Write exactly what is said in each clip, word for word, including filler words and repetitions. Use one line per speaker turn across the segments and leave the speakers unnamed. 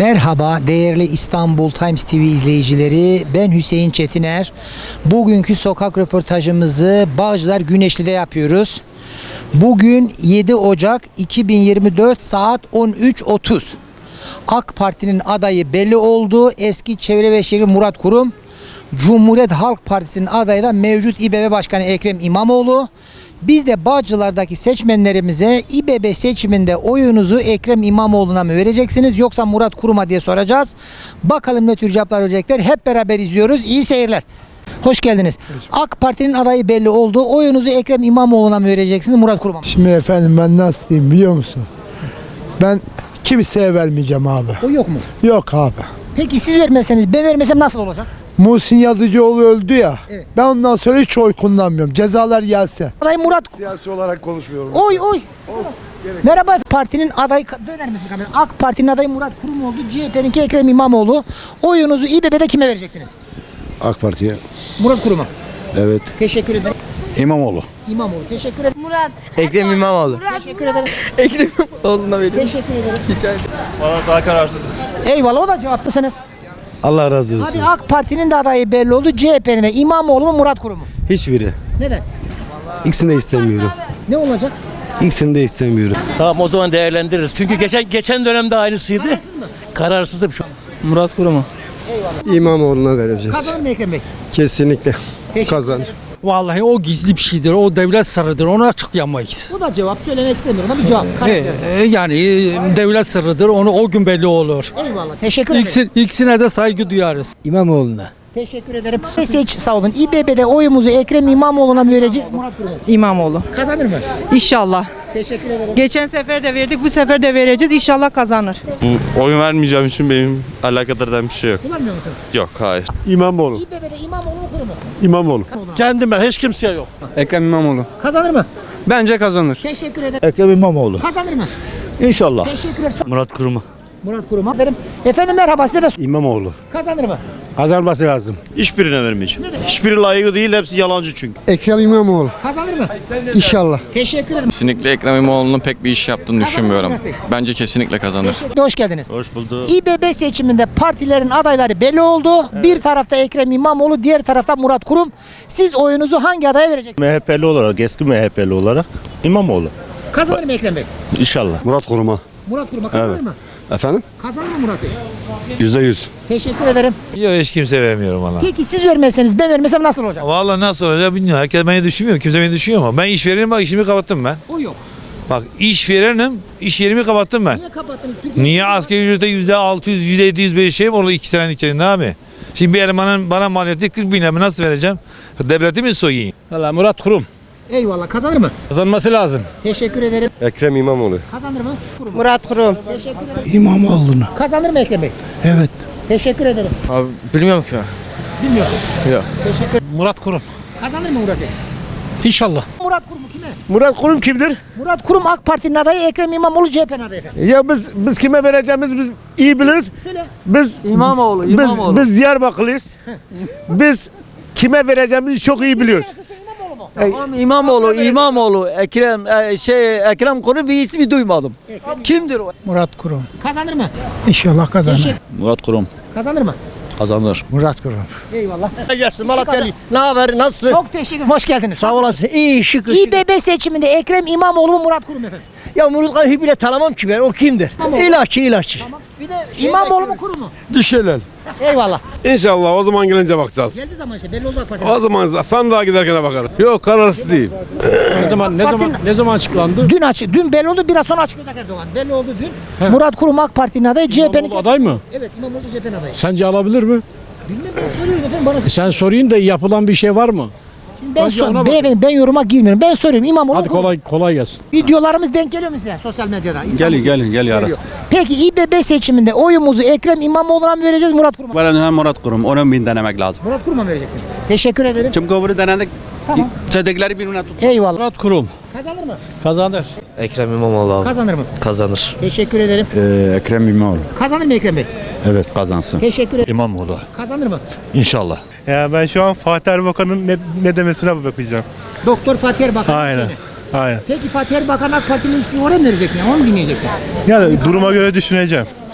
Merhaba değerli İstanbul Times T V izleyicileri, ben Hüseyin Çetiner. Bugünkü sokak röportajımızı Bağcılar Güneşli'de yapıyoruz. Bugün yedi Ocak iki bin yirmi dört saat on üç otuz. AK Parti'nin adayı belli oldu. Eski Çevre ve Şehir Murat Kurum. Cumhuriyet Halk Partisi'nin adayı da mevcut İBB Başkanı Ekrem İmamoğlu. Biz de Bağcılar'daki seçmenlerimize İBB seçiminde oyunuzu Ekrem İmamoğlu'na mı vereceksiniz yoksa Murat Kurum'a diye soracağız. Bakalım ne tür cevaplar verecekler. Hep beraber izliyoruz. İyi seyirler. Hoş geldiniz. AK Parti'nin adayı belli oldu. Oyunuzu Ekrem İmamoğlu'na mı vereceksiniz Murat Kurum'a mı?
Şimdi efendim ben nasıl diyeyim biliyor musun? Ben kimseye vermeyeceğim abi.
O yok mu?
Yok abi.
Peki siz vermezseniz ben vermesem nasıl olacak?
Muhsin Yazıcıoğlu öldü ya.
Evet.
Ben ondan sonra hiç oy kullanmıyorum. Cezalar gelse.
Aday Murat.
Siyasi olarak konuşmuyorum.
Oy oy. Merhaba, partinin adayı döner misin kamera? AK Parti'nin adayı Murat Kurum oldu. C H P'ninki Ekrem İmamoğlu. Oyunuzu İBB'de kime vereceksiniz?
AK Parti'ye.
Murat Kurum'a.
Evet.
Teşekkür ederim.
İmamoğlu.
İmamoğlu. Teşekkür ederim.
Murat.
Ekrem İmamoğlu.
Teşekkür ederim.
Ekrem İmamoğlu'na veriyorum.
Teşekkür ederim.
Rica ederim.
Valla daha kararsızız.
Eyvallah, o da cevaplısınız.
Allah razı olsun.
Abi AK Parti'nin de adayı belli oldu. C H P'nin de İmamoğlu mu Murat Kurum mu?
Hiçbiri.
Neden?
İkisini de istemiyorum.
Ne olacak?
İkisini de istemiyorum.
Tamam, o zaman değerlendiririz. Çünkü geçen geçen dönemde aynısıydı.
Kararsız mı?
Kararsızım şu an.
Murat Kurum'u.
İmamoğlu'na vereceğiz.
Kazanır mı Ekrem Bey?
Kesinlikle.
Teşekkür
Kazanır.
Vallahi o gizli bir şeydir. O devlet sırrıdır. Onu açıklayamayız.
Bu da cevap, söylemek istemiyorum ama bir cevap.
E,
Kararsız.
e, yani e, devlet sırrıdır. Onu o gün belli olur.
Eyvallah. Teşekkür ederim.
İkisi, ikisine de saygı duyarız.
İmamoğlu'na.
Teşekkür ederim. Seç, sağ olun. İBB'de oyumuzu Ekrem İmamoğlu'na mı vereceğiz Murat Kurum'a?
İmamoğlu.
Kazanır mı?
İnşallah.
Teşekkür ederim.
Geçen sefer de verdik, bu sefer de vereceğiz. İnşallah kazanır.
Bu oyun vermeyeceğim için benim alakadar eden bir şey yok.
Kullanmıyor musunuz?
Yok, hayır.
İmamoğlu.
İBB'de İmamoğlu mu Kurum mu?
İmamoğlu.
Kendime, hiç kimseye yok.
Ekrem İmamoğlu.
Kazanır mı?
Bence kazanır.
Teşekkür ederim.
Ekrem İmamoğlu.
Kazanır mı?
İnşallah.
Teşekkür ederim.
Murat Kurum'a.
Murat Kurum'a derim. Efendim merhaba, size de
İmamoğlu.
kazanır mı?
Kazanması lazım.
Hiçbirine vermeyeceğim. Hiçbiri layığı değil, hepsi yalancı çünkü.
Ekrem İmamoğlu.
Kazanır mı?
İnşallah.
Teşekkür ederim.
Kesinlikle Ekrem İmamoğlu'nun pek bir iş yaptığını
Kazanır
düşünmüyorum.
Murat Bey.
Bence kesinlikle kazanır.
Teşekkür- Hoş geldiniz.
Hoş bulduk.
İBB seçiminde partilerin adayları belli oldu. Bir tarafta Ekrem İmamoğlu, diğer tarafta Murat Kurum. Siz oyunuzu hangi adaya vereceksiniz?
M H P'li olarak, eski M H P'li olarak İmamoğlu.
Kazanır mı Ekrem Bey?
İnşallah.
Murat Kurum'a.
Murat Kurum'a kazanır
Evet.
mı?
Efendim?
Kazanır mı Murat Bey?
Yüzde yüz.
Teşekkür ederim.
Yok, hiç kimse vermiyorum valla.
Peki siz vermezseniz ben vermesem nasıl olacak?
Valla nasıl olacak bilmiyorum. Herkes beni düşünmüyor. Kimse beni düşünüyor ama ben iş verenim, bak işimi kapattım ben.
O yok.
Bak iş verenim, iş yerimi kapattım ben.
Niye kapattınız? Türkiye-
Niye asgari ücrete yüzde altı yüz, yüzde yedi yüz bir şey mi oldu iki senenin içerisinde abi? Şimdi bir elemanın bana maliyeti kırk bin lira, nasıl vereceğim? Devleti mi soyayım?
Valla Murat Kurum.
Eyvallah, kazanır mı?
Kazanması lazım.
Teşekkür ederim.
Ekrem İmamoğlu.
Kazanır mı? Kurum.
Murat Kurum.
Teşekkür ederim.
İmamoğlu'na.
Kazanır mı Ekrem Bey?
Evet.
Teşekkür ederim.
Abi bilmiyorum ki.
Bilmiyorsun.
Yok.
Teşekkür.
Murat Kurum.
Kazanır mı Murat Bey?
İnşallah.
Murat Kurum kime?
Murat Kurum kimdir?
Murat Kurum AK Parti'nin adayı, Ekrem İmamoğlu C H P'nin adayı efendim.
Ya biz biz kime vereceğimiz biz iyi biliriz.
Söyle.
Biz
İmamoğlu,
biz,
İmamoğlu.
biz Diyarbakırlıyız. Biz kime vereceğimizi çok iyi biliyoruz.
Nasılsın, İmamoğlu mu?
Tamam, İmamoğlu, İmamoğlu, Ekrem, e, şey, Ekrem Kurum bir ismi duymadım.
Ekrem
Kimdir o?
Murat Kurum.
kazanır mı?
İnşallah kazanır.
Teşekkür.
Murat Kurum.
Kazanır mı?
Kazanır.
Murat Kurum.
Eyvallah.
Gelsin Malatya'lı. Ne haber? Nasılsın?
Çok teşekkür ederim. Hoş geldiniz.
Sağ olasın. İyi, şık, şık.
İBB seçiminde Ekrem İmamoğlu mu Murat Kurum efendim?
Ya Murat Kurum bile tanımam ki ben. O kimdir?
İmamoğlu.
İlaççı, ilaççı.
Bir de İmamoğlu mu Kurum mu?
Düşelim.
Eyvallah.
İnşallah o zaman gelince bakacağız.
Geldiği zaman işte belli oldu AK Parti.
O zaman sandığa giderken bakarım. Yok, kararsız değil.
Ne zaman ne
Partinin-
zaman ne zaman açıklandı?
Dün açı, dün belli oldu, biraz sonra açıklayacak Erdoğan. Belli oldu dün. Murat Kurum AK Parti'nin adayı, C H P'nin...
İmamoğlu aday mı?
Evet, İmamoğlu C H P'nin adayı.
Sence alabilir mi?
Bilmem, ben soruyorum efendim bana.
Sen sorayım da yapılan bir şey var mı?
Şimdi ben,
Önce ona
sor,
bak.
beyefendi, ben yoruma girmiyorum. Ben soruyorum İmamoğlu
Hadi
Kurum.
kolay kolay gelsin.
Videolarımız denk geliyor mu size sosyal medyada? İstanbul'da?
gelin gel
Geliyor. Peki İBB seçiminde oyumuzu Ekrem İmamoğlu'na mı vereceğiz, Murat Kurum'a mı?
Ben Murat Kurum. Onun bin denemek lazım.
Murat Kurum'a mı vereceksiniz? Teşekkür ederim.
Çünkü öbürü denedik.
Tamam.
Çedekleri birbirine tut.
Eyvallah.
Murat Kurum.
Kazanır mı?
Kazanır.
Ekrem İmamoğlu abi.
Kazanır mı?
Kazanır.
Teşekkür ederim.
Ekrem İmamoğlu.
Kazanır mı Ekrem Bey?
Evet, kazansın.
Teşekkür ederim.
İmamoğlu.
Kazanır mı?
İnşallah.
Ya ben şu an Fatih Erbakan'ın ne, ne demesine bakacağım.
Doktor Fatih Erbakan.
Aynen.
Söyle.
Aynen.
Peki Fatih Erbakan AK Parti'nin hiçbir oraya mı vereceksin? Yani onu mu dinleyeceksin?
Yani duruma göre düşüneceğim.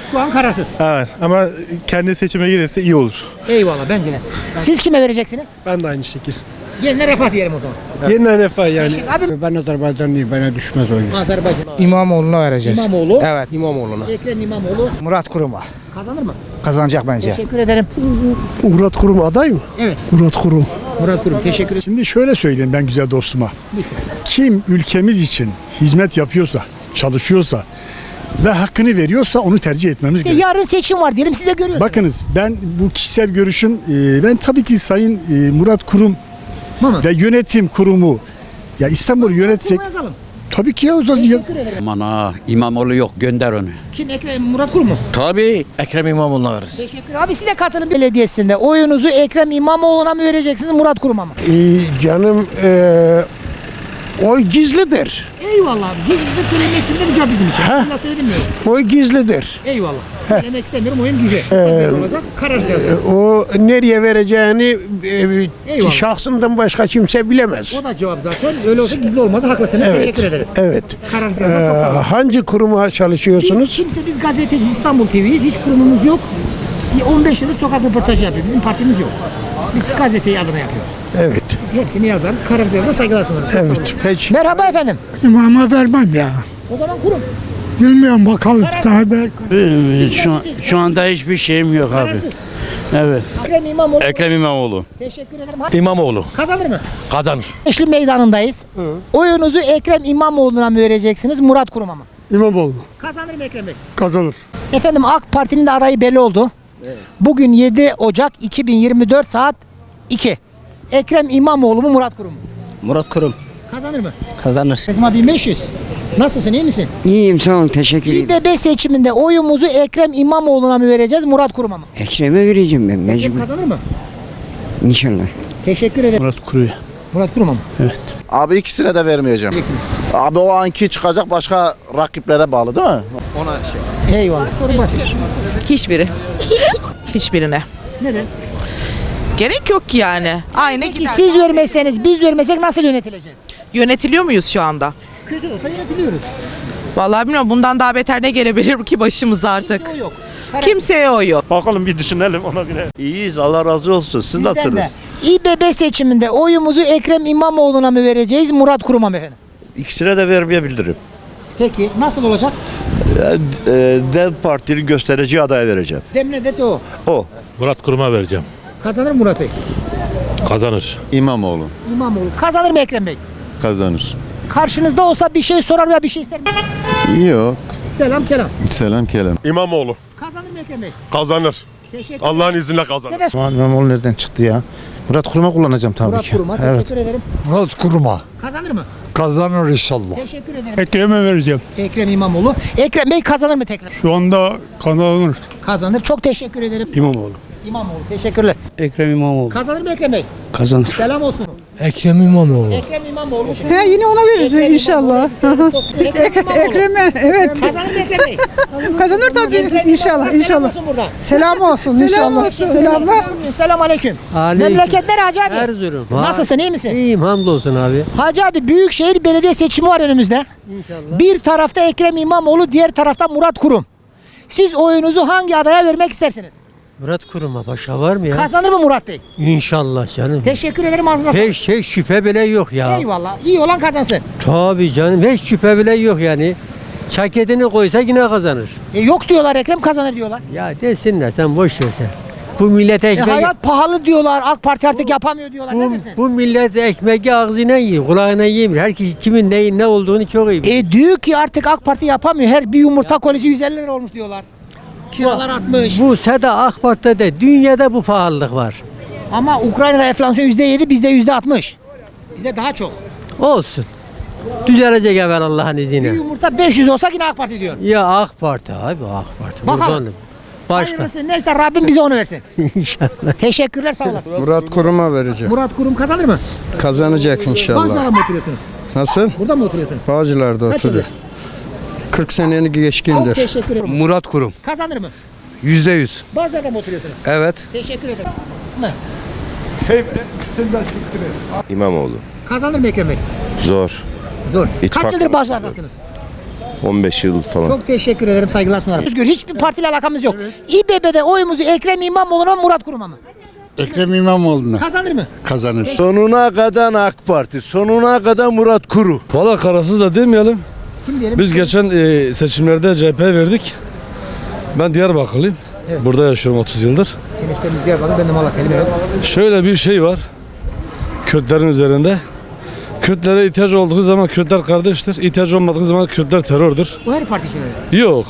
Şu an kararsız.
Evet ama kendi seçime girirse iyi olur.
Eyvallah bence de. Siz kime vereceksiniz?
Ben de aynı şekil.
Yeniden Refah diyelim o zaman.
Yeniden refah yani.
Abi
Ben Azerbaycanlıyım, bana düşmez oyun.
Azerbaycan.
İmamoğlu'na vereceğiz.
İmamoğlu.
Evet İmamoğlu'na.
Ekrem İmamoğlu
Murat Kurum'a.
kazanır mı?
Kazanacak bence.
Teşekkür ederim.
Murat Kurum aday mı?
Evet.
Murat Kurum.
Murat Kurum teşekkür ederim.
Şimdi şöyle söyleyeyim ben güzel dostuma. Kim ülkemiz için hizmet yapıyorsa, çalışıyorsa ve hakkını veriyorsa onu tercih etmemiz
İşte
gerekiyor.
yarın seçim var diyelim siz de görüyorsunuz.
Bakınız ben bu kişisel görüşüm e, ben tabii ki Sayın e, Murat Kurum
Mama.
ve yönetim kurumu ya İstanbul yönetecek.
Kurum'a yazalım.
Tabii ki ya o zaman
Teşekkür ederim.
Aman ha İmamoğlu yok gönder onu.
Kim Ekrem Murat Kurum mu?
Tabii.
Ekrem İmamoğlu'na veririz.
Teşekkür. Abi siz de katılın belediyesinde. Oyunuzu Ekrem İmamoğlu'na mı vereceksiniz Murat Kurum'a mı?
canım e, oy gizlidir.
Eyvallah abi. Gizlidir söylemek istemiyorum cevap bizim için.
Ha.
Sizinle söyledim mi?
Oy gizlidir.
Eyvallah. Söylemek istemiyorum oyun güzel. Tabii olacak. Kararsız yazacağız.
O nereye vereceğini
Eyvallah.
şahsımdan başka kimse bilemez.
O da cevap zaten. Öyle olsa gizli olmaz. Haklısınız. Teşekkür ederim.
Evet.
Kararsız yazacağız. Çok sağ olun.
hangi kuruma
Biz
çalışıyorsunuz?
kimse biz gazeteci İstanbul T V'yiz. Hiç kurumumuz yok. on beş yıldır sokak röportajı yapıyor. Bizim partimiz yok. Biz gazeteyi adına yapıyoruz.
Evet.
Biz hepsini yazarız. Kararsız yazarız. Saygılar sunarız. Çok sağ olun.
Evet. Peki.
Merhaba efendim.
İmama vermem ya.
O zaman kurum.
Bilmiyorum bakalım. Tabii.
Şu,
Şu anda hiçbir şeyim yok
Kararsız.
Evet.
Ekrem İmamoğlu.
Ekrem İmamoğlu.
Teşekkür ederim.
İmamoğlu
Kazanır mı?
kazanır.
Eşli meydanındayız. Oyunuzu Ekrem İmamoğlu'na mı vereceksiniz Murat Kurum'a mı?
İmamoğlu
Kazanır mı Ekrem Bey?
kazanır.
Efendim AK Parti'nin de adayı belli oldu. Bugün yedi Ocak iki bin yirmi dört saat iki. Ekrem İmamoğlu mu Murat Kurum mu?
Murat Kurum.
Kazanır mı?
Kazanır.
Kızma bin beş yüz. Nasılsın iyi misin?
İyiyim sağ olun teşekkür
İBB seçiminde oyumuzu Ekrem İmamoğlu'na mı vereceğiz Murat Kurum'a mı?
Ekrem'e vereceğim ben
Ekrem kazanır mı?
İnşallah.
Teşekkür ederim.
Murat Kuru'ya.
Murat Kurum'a mı?
Abi ikisine de vermeyeceğim.
Vereceksiniz.
Abi o anki çıkacak başka rakiplere bağlı değil mi?
Eyvallah. Soru basit.
Hiçbiri. Hiçbirine.
Neden?
Gerek yok ki yani. Aynı
Peki siz vermezseniz biz vermesek nasıl yönetileceğiz?
Yönetiliyor muyuz şu anda?
Kötü olsa yönetiliyoruz.
Vallahi bilmiyorum bundan daha beter ne gelebilir ki başımıza artık.
O yok.
Kimseye oy yok.
Bakalım bir düşünelim ona göre.
İyiyiz Allah razı olsun. Siz
Sizden de. İBB seçiminde oyumuzu Ekrem İmamoğlu'na mı vereceğiz Murat Kurum'a mı efendim?
İkisine de vermeyebilirim.
Peki nasıl olacak?
Dev Parti'nin gösterici adaya vereceğim.
Dem ne dese o.
O.
Murat Kurum'a vereceğim.
Kazanır mı Murat Bey?
Kazanır.
İmamoğlu
İmamoğlu. Kazanır mı Ekrem Bey?
kazanır.
Karşınızda olsa bir şey sorar veya bir şey ister mi?
Yok.
Selam kelam.
Selam kelam.
İmamoğlu
Kazanır mı Ekrem Bey?
kazanır.
Teşekkür
Allah'ın izniyle kazanır.
Size de
İmamoğlu nereden çıktı ya? Murat Kurum'a kullanacağım tabii
Murat
ki.
Kurum'a teşekkür ederim.
Murat Kurum'a
Kazanır mı?
kazanır inşallah.
Teşekkür ederim.
Ekrem'e vereceğim.
Ekrem İmamoğlu. Ekrem Bey kazanır mı tekrar?
Şu anda kazanır.
Kazanır. Çok teşekkür ederim.
İmamoğlu.
İmamoğlu. Teşekkürler.
Ekrem İmamoğlu.
Kazanır mı Ekrem Bey?
Kazanır.
Selam olsun.
Ekrem İmamoğlu.
Ekrem İmamoğlu.
He yine ona veririz
Ekrem
inşallah.
İmamoğlu. Ekrem İmamoğlu.
Ekrem'e evet.
Kazanır mı Ekrem Bey?
Kazanır tabii
Ekrem
inşallah
İmamoğlu.
inşallah.
Selam olsun burada.
Selam olsun inşallah. Selamlar.
Selam aleyküm. Memleketler Hacı abi.
Erzurum.
Nasılsın iyi misin?
İyiyim hamdolsun abi.
Hacı abi Büyükşehir Belediye seçimi var önümüzde. İnşallah. Bir tarafta Ekrem İmamoğlu, diğer tarafta Murat Kurum. Siz oyunuzu hangi adaya vermek istersiniz?
Murat Kurum'a başka var mı ya?
Kazanır mı Murat Bey?
İnşallah canım.
Teşekkür ederim ağzına sağlık.
Hiç, hiç şüphe bile yok ya.
Eyvallah. İyi olan kazansın.
Tabii canım hiç şüphe bile yok yani. Çaketini koysa yine kazanır.
E, yok diyorlar Ekrem kazanır diyorlar.
Ya desinler sen boş ver sen. Bu millete
E,
ekmek...
hayat pahalı diyorlar. AK Parti artık yapamıyor diyorlar.
bu,
Ne dersin?
bu millet ekmeği ağzına yiyor, kulağına yemiyor. Herkes kimin neyin ne olduğunu çok iyi biliyor.
E diyor ki artık AK Parti yapamıyor. Her bir yumurta kolisi yüz elli lira olmuş diyorlar. Kiralar artmış.
Bu SEDA AK Parti'de dünyada bu pahalılık var.
Ama Ukrayna'da enflasyon yüzde yedi, bizde yüzde altmış. Bizde daha çok.
Olsun. Düzelecek evvel Allah'ın
Bir
izniyle.
yumurta beş yüz olsa yine AK Parti diyor.
Ya AK Parti abi AK Parti.
Bakalım.
Buradan- Başka.
Hayırlısı neyse Rabbim bize onu versin.
İnşallah.
Teşekkürler sağ olasın.
Murat Kurum'a vereceğim.
Murat Kurum kazanır mı?
Kazanacak
Bağcılar'da mı oturuyorsunuz?
Nasıl?
Burada mı oturuyorsunuz?
Bağcılar'da
Kaç yıldır?
kırk senenin
Çok
geçkindir.
teşekkür ederim.
Murat Kurum.
Kazanır mı?
Yüzde yüz.
Bağcılar'da mı oturuyorsunuz?
Evet.
Teşekkür ederim. Ne?
İmamoğlu.
Kazanır mı Ekrem Bey?
Zor.
Zor.
İttifak
Kaç yıldır
var.
Bağcılar'dasınız?
on beş yıl falan.
Çok teşekkür ederim, saygılar sunarım. Özgür, hiçbir partiyle alakamız yok. İBB'de oyumuzu Ekrem İmamoğlu'na mı Murat Kurum'a mı?
Ekrem İmamoğlu'na
Kazanır mı?
kazanır.
Sonuna kadar AK Parti, sonuna kadar Murat Kuru.
Valla kararsız da demeyelim.
Kim diyelim?
Biz geçen e, seçimlerde C H P verdik. Ben Diyarbakırlıyım.
Evet.
Burada yaşıyorum otuz yıldır.
Eniştemiz Diyarbakır, ben de Malatya'lıyım, evet.
Şöyle bir şey var. Kürtlerin üzerinde. Kürtlere ihtiyaç olduğu zaman Kürtler kardeştir. İhtiyaç olmadığı zaman Kürtler terördür.
Bu her parti için öyle.
Yok.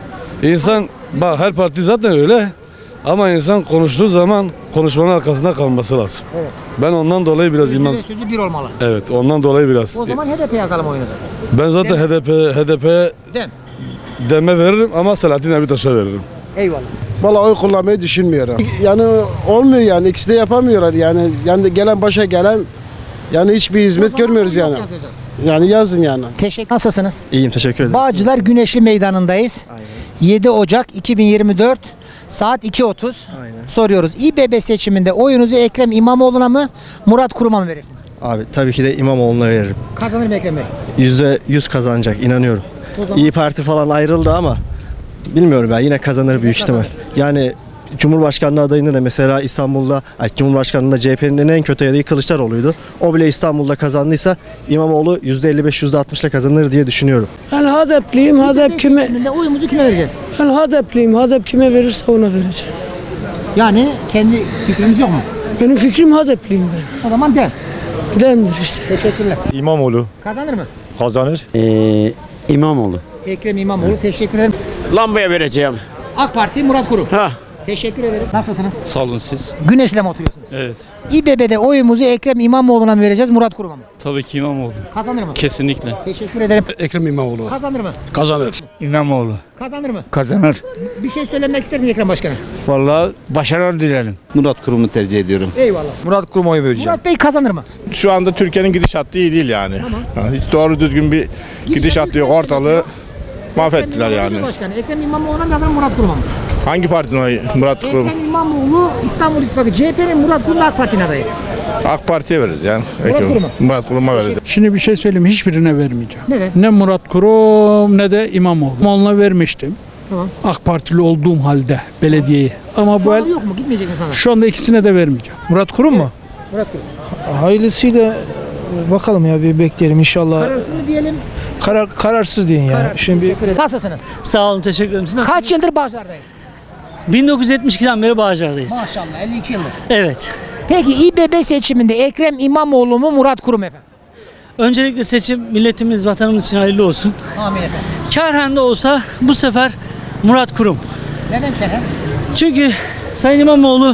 İnsan, bak her parti zaten öyle. Ama insan konuştuğu zaman konuşmanın arkasında kalması lazım.
Evet.
Ben ondan dolayı biraz
Sözü
imam...
ve sözü bir olmalı.
Evet, ondan dolayı biraz.
O zaman H D P yazalım oyunuzu.
Ben zaten
Dem.
H D P H D P'ye
Dem.
deme veririm ama Selahattin Demirtaş'a veririm.
Eyvallah.
Vallahi oy kullanmayı düşünmüyorum. Yani olmuyor yani, ikisi de yapamıyorlar yani. Yani gelen başa gelen yani hiçbir hizmet görmüyoruz yani.
Yazacağız.
Yani yazın yani.
Teşekkür. Nasılsınız?
İyiyim, teşekkür ederim.
Bağcılar Güneşli Meydanı'ndayız. yedi Ocak iki bin yirmi dört saat iki otuz. Soruyoruz. İBB seçiminde oyunuzu Ekrem İmamoğlu'na mı Murat Kurum'a mı verirsiniz?
Abi tabii ki de İmamoğlu'na veririm.
Kazanır mı Ekrem Bey?
yüzde yüz kazanacak, inanıyorum.
O zaman
İyi Parti falan ayrıldı ama bilmiyorum ya, yine kazanır büyük ihtimal. Yani Cumhurbaşkanlığı adayında da mesela İstanbul'da, ay, Cumhurbaşkanlığında C H P'nin en kötü adayı Kılıçdaroğlu'ydu. O bile İstanbul'da kazandıysa İmamoğlu yüzde elli beş yüzde altmış ile kazanır diye düşünüyorum.
Ben H D P'liyim. H D P
İBB
kime?
seçiminde oyumuzu kime vereceğiz?
Ben H D P'liyim. H D P kime verirse ona vereceğim.
Yani kendi fikrimiz yok mu?
Benim fikrim H D P'liyim ben.
O zaman dem.
Demdir işte.
Teşekkürler.
İmamoğlu
Kazanır mı?
kazanır.
Ee, İmamoğlu.
Ekrem İmamoğlu, teşekkür ederim.
Lambaya vereceğim.
AK Parti Murat Kurum.
Ha.
Teşekkür ederim. Nasılsınız?
Sağ olun siz.
Güneş'le mi oturuyorsunuz?
Evet.
İBB'de oyumuzu Ekrem İmamoğlu'na mı vereceğiz Murat Kurum'a mı?
Tabii ki İmamoğlu.
Kazanır mı?
Kesinlikle.
Teşekkür ederim.
Ekrem İmamoğlu.
Kazanır mı?
Kazanır.
İmamoğlu.
Kazanır mı?
Kazanır.
Bir şey söylemek ister mi Ekrem Başkan'a?
Vallahi başarılar dilerim.
Murat Kurum'u tercih ediyorum.
Eyvallah.
Murat Kurum'a oy vereceğim.
Murat Bey kazanır mı?
Şu anda Türkiye'nin gidişatı iyi değil yani. Yani hiç doğru düzgün bir gidişat yok, ortalığı mahvettiler
Ekrem
yani.
İmamoğlu Başkanı. Ekrem İmamoğlu'na mı kazanır Murat Kurum'a mı?
Hangi partinin oyu Murat Kurum?
Ekrem İmamoğlu İstanbul İttifakı, C H P'nin Murat Kurum da AK Parti'nin adayı.
AK Parti'ye veririz yani.
Murat Kurum'a.
Murat Kurum'a veririz.
Şimdi bir şey söyleyeyim, hiçbirine vermeyeceğim.
Neden?
Ne Murat Kurum ne de İmamoğlu. İmamoğlu'na vermiştim.
Tamam.
AK Partili olduğum halde belediyeye. Ama bu
Şu
el,
an yok mu? Gitmeyecek mi sana?
şu anda ikisine de vermeyeceğim.
Murat Kurum mu?
Murat Kurum.
Hayırlısıyla bakalım ya, bir bekleyelim inşallah.
Kararsız mı diyelim?
Karar, kararsız deyin ya.
Kararsız.
Şimdi
Teşekkür ederim. Nasılsınız?
Sağ olun, teşekkür ederim. Siz nasılsınız?
Kaç yıldır Bağcılar'dayız?
bin dokuz yüz yetmiş ikiden beri Bağcılar'dayız.
Maşallah elli iki yıldır.
Evet.
Peki İBB seçiminde Ekrem İmamoğlu mu Murat Kurum efendim?
Öncelikle seçim milletimiz, vatanımız için hayırlı olsun.
Amin efendim.
Kârhen de olsa bu sefer Murat Kurum.
Neden Kerem?
Çünkü Sayın İmamoğlu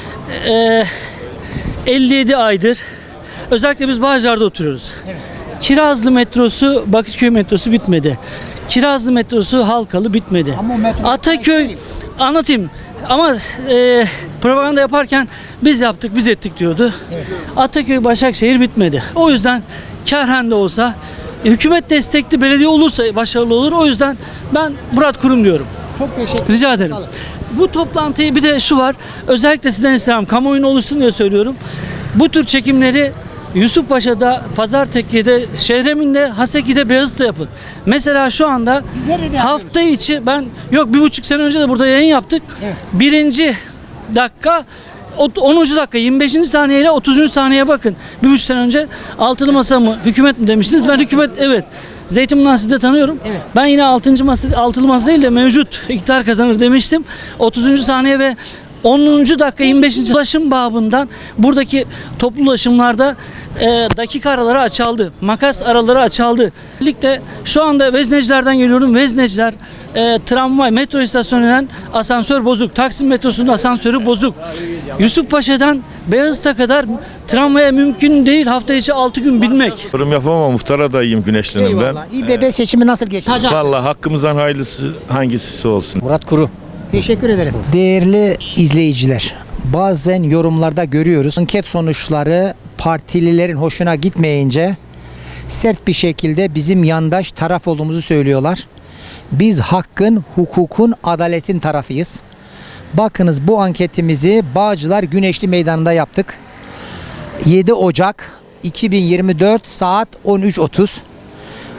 e, elli yedi aydır, özellikle biz Bağcılar'da oturuyoruz.
Evet.
Kirazlı metrosu, Bakırköy metrosu bitmedi. Kirazlı metrosu Halkalı bitmedi.
Ama o metro-
Ataköy, anlatayım ama e, propaganda yaparken biz yaptık, biz ettik diyordu.
Evet.
Ataköy, Başakşehir bitmedi. O yüzden kârhen de olsa, hükümet destekli belediye olursa başarılı olur. O yüzden ben Murat Kurum diyorum.
Çok teşekkür ederim.
Rica ederim.
Sağ olun.
Bu toplantıyı bir de şu var. Özellikle sizden istemem. Kamuoyuna oluşsun diye söylüyorum. Bu tür çekimleri Yusufpaşa'da, Pazartepe'de, Şehremin'de, Haseki'de, Beyazıt'ta yapın. Mesela şu anda
Biz her yerde
hafta içi ben yok bir buçuk sene önce de burada yayın yaptık.
Evet.
Birinci dakika ot- onuncu dakika yirmi beşinci saniye ile otuzuncu saniyeye bakın. Bir buçuk sene önce altılı masa mı hükümet mi demiştiniz? Ben hükümet evet. Zeytinburnu'ndan sizi de tanıyorum.
Evet.
Ben yine altıncı masa, altılı masa değil de mevcut iktidar kazanır demiştim. otuzuncu saniye ve onuncu dakika yirmi beşinci ulaşım babından buradaki toplu ulaşımlarda e, dakika araları açıldı. Makas araları açıldı. Birlikte şu anda Veznecilerden geliyorum. Vezneciler e, tramvay metro istasyonundan asansör bozuk. Taksim metrosunun asansörü bozuk. Yusufpaşa'dan Beyazıt'a kadar tramvaya mümkün değil hafta içi altı gün binmek.
Yorum yapamam, muhtar adayım Güneşli'nin ben.
Eyvallah. İBB seçimi nasıl geçti?
Vallahi hakkımızdan hayırlısı hangisi olsun.
Murat Kurum.
Teşekkür ederim. Değerli izleyiciler, bazen yorumlarda görüyoruz. Anket sonuçları partililerin hoşuna gitmeyince sert bir şekilde bizim yandaş taraf olduğumuzu söylüyorlar. Biz hakkın, hukukun, adaletin tarafıyız. Bakınız bu anketimizi Bağcılar Güneşli Meydanı'nda yaptık. yedi Ocak iki bin yirmi dört saat on üç otuz.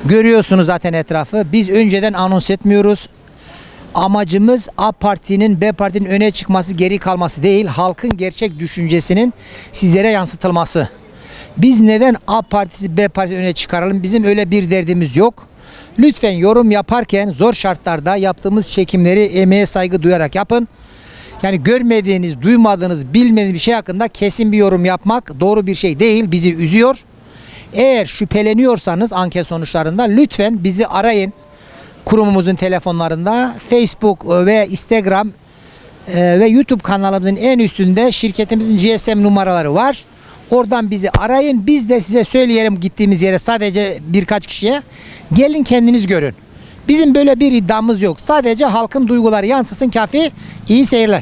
Görüyorsunuz zaten etrafı. Biz önceden anons etmiyoruz. Amacımız A Parti'nin B Parti'nin öne çıkması, geri kalması değil, halkın gerçek düşüncesinin sizlere yansıtılması. Biz neden A Partisi B Partisi öne çıkaralım? Bizim öyle bir derdimiz yok. Lütfen yorum yaparken zor şartlarda yaptığımız çekimleri emeğe saygı duyarak yapın. Yani görmediğiniz, duymadığınız, bilmediğiniz bir şey hakkında kesin bir yorum yapmak doğru bir şey değil. Bizi üzüyor. Eğer şüpheleniyorsanız anket sonuçlarında lütfen bizi arayın. Kurumumuzun telefonlarında Facebook ve Instagram e, ve YouTube kanalımızın en üstünde şirketimizin G S M numaraları var. Oradan bizi arayın. Biz de size söyleyelim gittiğimiz yere, sadece birkaç kişiye. Gelin kendiniz görün. Bizim böyle bir iddiamız yok. Sadece halkın duyguları yansısın kafi. İyi seyirler.